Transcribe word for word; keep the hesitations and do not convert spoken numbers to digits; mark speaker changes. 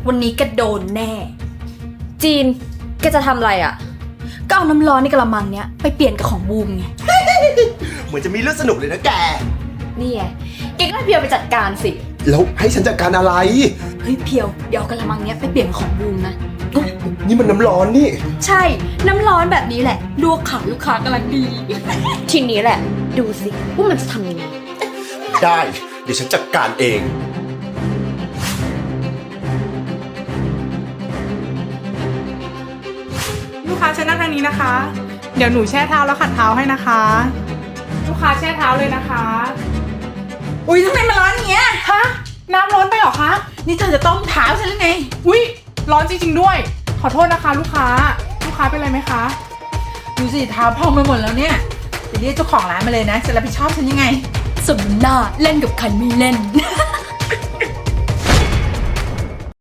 Speaker 1: วันนี้แกโดนแน่
Speaker 2: จีนแกจะทำอะไรอ่ะ
Speaker 1: ก็เอาน้ำร้อนในกระมังเนี้ยไปเปลี่ยนกับของบูมไง
Speaker 3: เหมือนจะมีเรื่องสนุกเลยนะแก
Speaker 2: นี่ไงแกก็ให้เพียวไปจัดการสิ
Speaker 3: แล้วให้ฉันจัดการอะไร
Speaker 1: เฮ้ยเพียวเดี๋ยวเอากระมังเนี้ยไปเปลี่ยนกับของบูมนะ
Speaker 3: นี่มันน้ำร้อนนี่
Speaker 1: ใช่น้ำร้อนแบบนี้แหละลวกขาลูกค้ากำลังดี
Speaker 2: ทีนี้แหละดูสิว่ามันจะทำยังไง
Speaker 3: ได้เดี๋ยวฉันจัดการเอง
Speaker 4: ลูกค้าเชิญนั่งทางนี้นะคะเดี๋ยวหนูแช่เท้าแล้วขัดเท้าให้นะคะลูกค้าแช่เท้าเลยนะคะ
Speaker 1: อุ้ยทำไมมันร้อนอย่างเงี้ย
Speaker 4: ฮะน้ำร้อนไปเหรอคะ
Speaker 1: นี่เธอจะต้มเท้าฉันหรือไง
Speaker 4: อุ้ยร้อนจริงๆด้วยขอโทษนะคะลูกค้าลูกค้าเป็นไรไหมคะ
Speaker 5: ดูสิเท้าพองไปหมดแล้วเนี่ยจะเรียกเจ้าของร้านมาเลยนะจะรับผิดชอบฉันยังไง
Speaker 1: สมหน้าเล่นกับใครไม่เล่น